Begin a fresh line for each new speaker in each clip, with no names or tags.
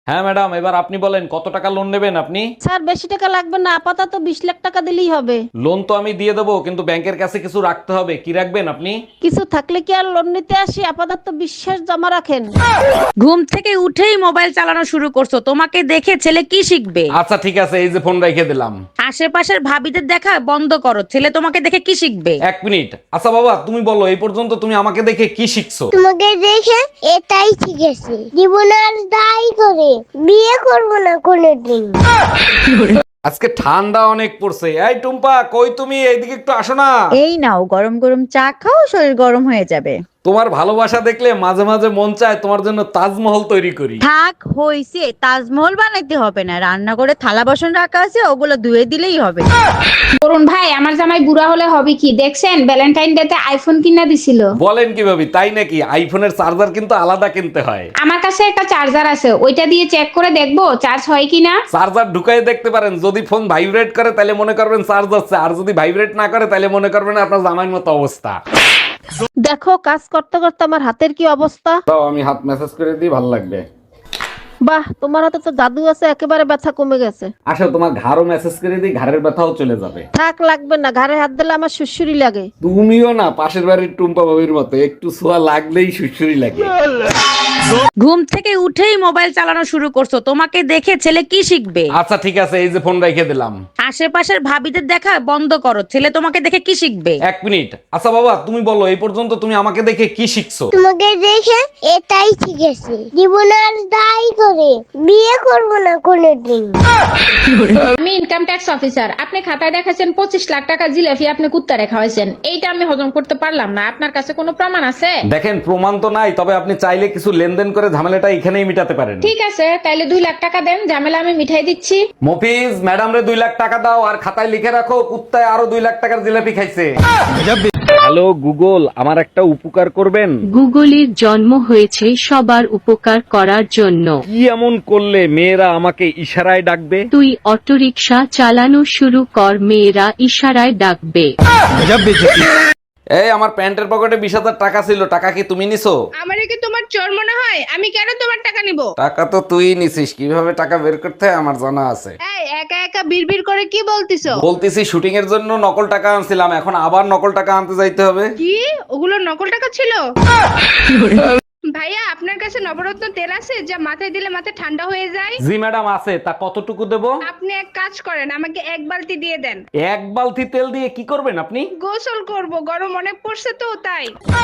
হ্যাঁ ম্যাডাম, এবার আপনি বলেন কত টাকা লোন নেবেন আপনি?
স্যার বেশি টাকা লাগবে না, আপাতত 20 লাখ টাকা দিলেই হবে।
লোন তো আমি দিয়ে দেবো, কিন্তু ব্যাংকের কাছে কিছু রাখতে হবে। কি রাখবেন আপনি?
কিছু থাকলে কি আর লোন নিতে আসি? আপাতত বিশ্বাস জমা রাখেন।
ঘুম থেকে উঠেই মোবাইল চালানো শুরু করছো, তোমাকে দেখে ছেলে কি শিখবে?
আচ্ছা ঠিক আছে, এই যে ফোন রেখে দিলাম।
আশেপাশের ভাবিদের দেখা বন্ধ করো, ছেলে তোমাকে দেখে কি শিখবে?
1 মিনিট। আচ্ছা বাবা, তুমি বলো এই পর্যন্ত তুমি আমাকে দেখে কি শিখছো?
তোমাকে দেখে এটাই শিখেছি, জীবন আর দায় করে বিয়ে করবো না কোনোদিন।
আজকে ঠান্ডা অনেক পড়ছে। এই টুম্পা, কই তুমি? এইদিকে একটু আসো না।
এই নাও গরম গরম চা খাও, শরীর গরম হয়ে যাবে।
তোমার ভালোবাসা দেখলে মাঝে মাঝে মন চায় তোমার জন্য তাজমহল তৈরি করি।
থাক হইছে, তাজমহল বানাইতে হবে না, রান্না করে থালা বাসন রাখা আছে, ওগুলো ধুয়ে দিলেই হবে।
অরুণ ভাই, আমার জামাই বুড়া হলে হবে কি দেখছেন? ভ্যালেন্টাইন ডে তে আইফোন কিনা দিছিল।
বলেন কি ভাবি, তাই নাকি? আইফোনের চার্জার কিন্তু আলাদা কিনতে হয়।
আমার কাছে একটা চার্জার আছে, ওইটা দিয়ে চেক করে দেখবো চার্জ হয় কিনা।
চার্জার ঢুকাই দেখতে পারেন, যদি ফোন ভাইব্রেট করে তাহলে মনে করবেন চার্জ হচ্ছে, আর যদি ভাইব্রেট না করে তাহলে মনে করবেন আপনার জামাইয়ের মতো অবস্থা।
দেখো কাজ করতে করতে আমার হাতের কি অবস্থা।
তাও আমি হাত মেসেজ করে দিই, ভালো লাগবে।
বাহ, তোমার হাতে তো জাদু আছে, একেবারে ব্যথা কমে গেছে।
আসো তোমার ঘাড়ও মেসেজ করে দিই, ঘাড়ের ব্যথাও চলে যাবে।
থাক, লাগবে না, ঘাড়ে হাত দিলে আমার সুসুরি লাগে।
তুমিও না পাশের বাড়ির টুম্পা বাবির মতো, একটু ছোঁয়া লাগলেই সুসুরি লাগে।
ঘুম থেকে উঠেই মোবাইল চালানো শুরু করছো, তোমাকে দেখে ছেলে কি শিখবে?
আচ্ছা ঠিক আছে, এই যে ফোন রেখে দিলাম।
আশেপাশের ভাবিদের দেখা বন্ধ করো, ছেলে তোমাকে দেখে কি শিখবে?
1 মিনিট। আচ্ছা বাবা, তুমি বলো এই পর্যন্ত তুমি আমাকে দেখে কি শিখছো?
তোমাকে দেখে এটাই শিখেছি, জীবন আর দায় করে বিয়ে করবো না কোনোদিন।
আমি ইনকাম ট্যাক্স অফিসার, আপনি খাতায় দেখাচ্ছেন 25 লাখ টাকা জিলাপি আপনি কুত্তা রেখা হয়েছেন, এইটা আমি হজম করতে পারলাম না। আপনার কাছে কোনো প্রমাণ আছে?
দেখেন, প্রমাণ তো নাই, তবে আপনি চাইলে কিছু লেনদেন করে ঝামেলাটা এখানেই মিটাতে পারেন।
ঠিক আছে, তাইলে 2 লাখ টাকা দেন, ঝামেলা আমি মিঠাই দিচ্ছি।
মফিজ, ম্যাডাম রে 2 লাখ টাকা দাও, আর খাতায় লিখে রাখো কুত্তায় আরো 2 লাখ টাকার জিলাপি খাইছে। হ্যালো গুগল, আমার একটা উপকার করবেন?
গুগলের জন্ম হয়েছে সবার উপকার করার জন্য।
কি এমন করলে মেয়েরা আমাকে ইশারায় ডাকবে?
তুই অটোরিকশা চালানো শুরু কর, মেয়েরা ইশারায় ডাকবে।
এই আমার প্যান্টের পকেটে 20,000 টাকা ছিল, টাকা কি তুমি নিছো?
আমারে কি তোমার চোর মনে হয়? আমি কেন তোমার টাকা নিব?
টাকা তো তুই নিছিস, কিভাবে টাকা বের করতে হয় আমার জানা আছে।
এই একা একা বিড়বিড় করে কি বলতিছো?
বলতেছি শুটিং এর জন্য নকল টাকা আনছিলাম, এখন আবার নকল টাকা আনতে যাইতে হবে।
কি ওগুলো নকল টাকা ছিল? ভাইয়া, আপনার কাছে নবরত্ন তেল আছে যা মাথায় দিলে মাথা ঠান্ডা হয়ে যায়?
জি ম্যাডাম আছে, তা কতটুকু দেবো?
আপনি এক কাজ করেন, আমাকে 1 বালতি দিয়ে দেন।
1 বালতি তেল দিয়ে কি করবেন আপনি?
গোসল করব, গরম অনেক পড়ছে তো তাই।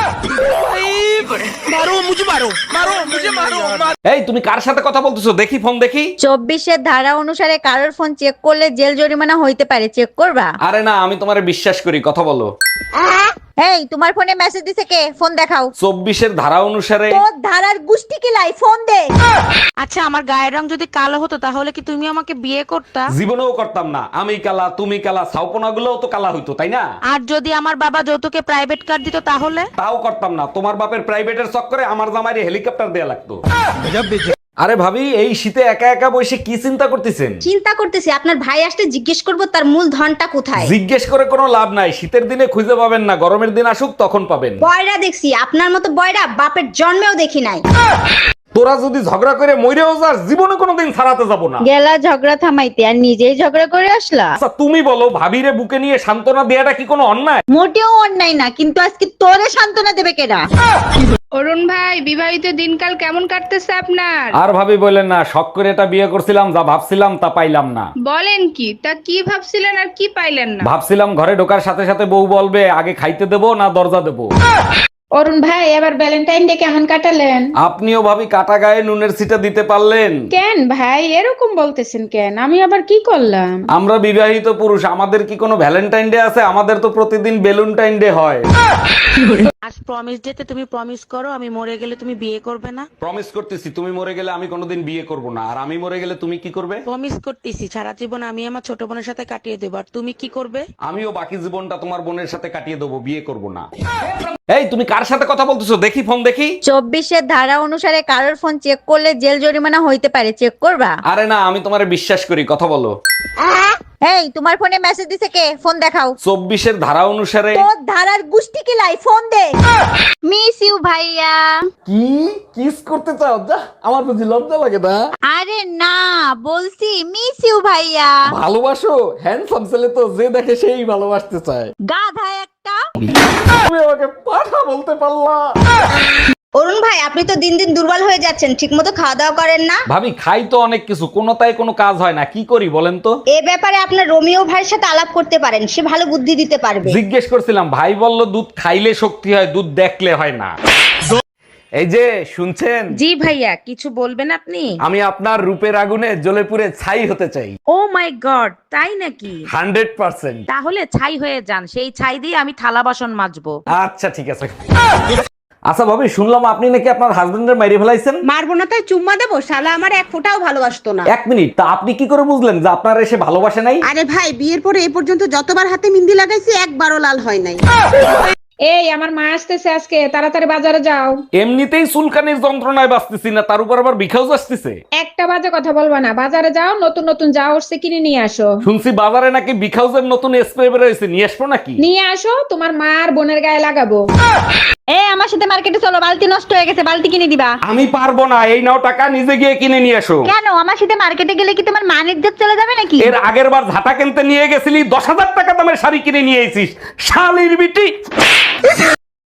এই তুমি কার সাথে কথা বলতেছো? দেখি ফোন দেখি।
24-এর ধারা অনুসারে কারোর ফোন চেক করলে জেল জরিমানা হইতে পারে, চেক করবা?
আরে না, আমি তোমারে বিশ্বাস করি, কথা বলো।
এই তোমার ফোনে মেসেজ দিছে কে? ফোন দেখাও।
24-এর ধারা অনুসারে।
তোর ধারার গুষ্টি কি লাই, ফোন দে।
আচ্ছা, আমার গায়ের রং যদি কালো হতো তাহলে কি তুমি আমাকে বিয়ে করতা?
জীবনেও করতাম না। আমি কালা, তুমি কালা, ছাউপনা গুলোও তো কালা হইতো, তাই না?
আর যদি আমার বাবা যৌতুকে প্রাইভেট কার দিত তাহলে?
তাও করতাম না। তোমার বাপের প্রাইভেটের চক্করে আমার জামাইরে হেলিকপ্টার দেয়া লাগতো। আরে ভাবি, এই শীতে একা একা বসে কি চিন্তা করতেছেন?
চিন্তা করতেছি আপনার ভাই আসতে জিজ্ঞেস করব তার মূল ধনটা কোথায়।
জিজ্ঞেস করে কোনো লাভ নাই, শীতের দিনে খুঁজে পাবেন না, গরমের দিন আসুক তখন পাবেন।
বয়রা দেখছি, আপনার মতো বয়রা বাপের জন্মেও দেখি নাই।
তোরা যদি ঝগড়া করে মইরেও যাস, জীবনে কোনোদিন ছাড়াতে যাব না।
গেলা ঝগড়া থামাইতে, আর নিজেই ঝগড়া করে আসলা।
আচ্ছা তুমি বলো, ভাবিরে বুকে নিয়ে সান্ত্বনা দেয়াটা কি কোনো অন্যায়?
মোটেও অন্যায় না, কিন্তু আজকে তোরে সান্ত্বনা দেবে কেডা?
অরুণ ভাই, বিবাহিত দিনকাল কেমন কাটতেছে আপনার?
আর ভাবি বলেন না, শখ করে এটা বিয়ে করছিলাম, যা ভাবছিলাম তা পাইলাম না।
বলেন কি? তা কি ভাবছিলেন আর কি পাইলেন না?
ভাবছিলাম ঘরে ঢোকার সাথে সাথে বউ বলবে আগে খাইতে দেবো না দরজা দেবো।
অরুণ ভাই, এবার ভ্যালেন্টাইন ডে কেমন কাটালেন?
আপনিও ভাবি কাটা গায়ে নুনের ছিটা দিতে পারলেন?
কেন ভাই এরকম বলতেছেন কেন? আমি আবার কি করলাম?
আমরা বিবাহিত পুরুষ, আমাদের কি কোনো ভ্যালেন্টাইন ডে আছে? আমাদের তো প্রতিদিন বেলুনটাইন ডে হয়।
আজ প্রমিস ডেতে তুমি প্রমিস করো আমি মরে গেলে তুমি বিয়ে করবে না।
প্রমিস করতেছি, তুমি মরে গেলে আমি কোনোদিন বিয়ে করব না, আর আমি মরে গেলে তুমি কি করবে?
প্রমিস করতেছি সারা জীবন আমি আমার ছোট বোনের সাথে কাটিয়ে দেবো, আর তুমি কি করবে?
আমিও বাকি জীবনটা তোমার বোনের সাথে কাটিয়ে দেবো, বিয়ে করব না। এই তুমি কার সাথে কথা বলতেছো? দেখি ফোন দেখি।
24-এর ধারা অনুসারে কারোর ফোন চেক করলে জেল জরিমানা হইতে পারে, চেক করবা?
আরে না, আমি তোমারে বিশ্বাস করি, কথা বলো।
এই তোমার ফোনে মেসেজ দিছে কে? ফোন দেখাও।
24-এর ধারা অনুসারে।
তোর ধারার গুষ্টি কি লাই? ফোন দে। মিস ইউ ভাইয়া।
কি কিস করতে চাও? যা, আমার বুঝি লজ্জা লাগে না?
আরে না, বলছি মিস ইউ ভাইয়া।
ভালোবাসো? হ্যান্ডসাম ছেলে তো যে দেখে সেই ভালোবাসতে চায়।
গাধা একটা।
তুমি আমাকে পাঠা বলতে পারলা?
অরুণ ভাই আপনি তো দিন দিন দুর্বল হয়ে যাচ্ছেন, ঠিকমতো খাওয়া দাওয়া করেন না।
ভাবি, খাই তো অনেক কিছু, কোনোটাই কোনো কাজ হয় না, কি করি বলেন তো?
এ ব্যাপারে আপনার রোমিও ভাইয়ের সাথে আলাপ করতে পারেন, সে ভালো বুদ্ধি দিতে পারবে।
জিজ্ঞেস করছিলাম, ভাই বলল দুধ খাইলে শক্তি হয়, দুধ দেখলে হয় না। এই যে শুনছেন?
জি ভাইয়া, কিছু বলবেন আপনি?
আমি আপনার রূপের আগুনে জ্বলে পুড়ে ছাই হতে চাই।
ও মাই গড, তাই নাকি?
100%।
তাহলে ছাই হয়ে যান, সেই ছাই দিয়ে আমি থালা বাসন মাজবো।
আচ্ছা ঠিক আছে। আচ্ছা ভাবি, শুনলাম আপনি নাকি আপনার হাজবেন্ডের মেরে ফেলাইছেন।
মারবো না তাই চুম্মা দেবো? শালা আমার এক ফোঁটাও ভালোবাসতো না।
1 মিনিট, তা আপনি কি করে বুঝলেন যে আপনার এসে ভালোবাসে নাই?
আরে ভাই, বিয়ের পরে এই পর্যন্ত যতবার হাতে মিন্দি লাগাইছি একবারও লাল হয় নাই।
এই আমার মা আসতেছে আজকে, তাড়াতাড়ি বাজারে যাও।
এমনিতেই চুলকানির যন্ত্রণায় বাঁচতেছি না, তার উপর আবার বিখাউজ আসতেছে।
একটা বাজে কথা বলবা না, বাজারে যাও, নতুন নতুন যা উঠছে কিনে নিয়ে আসো।
শুনছি বাজারে নাকি বিখাউজের নতুন স্প্রে বের হয়েছে, নিয়ে আসবো নাকি?
নিয়ে আসো, তোমার মা আর বোনের গায়ে লাগাবো।
আমার সাথে মার্কেটে চলো, বালতি নষ্ট হয়ে গেছে, বালতি কিনে দিবা।
আমি পারবো না, এই নাও টাকা, নিজে গিয়ে কিনে নিয়ে আসো।
কেন? আমার সাথে মার্কেটে গেলে কি তোমার মানের ইজ্জত চলে যাবে নাকি?
এর আগের বার ঝাঁটা কিনতে নিয়ে গেছিলি, 10,000 টাকা দামের শাড়ি কিনে নিয়ে এসিস, শালির বিটি।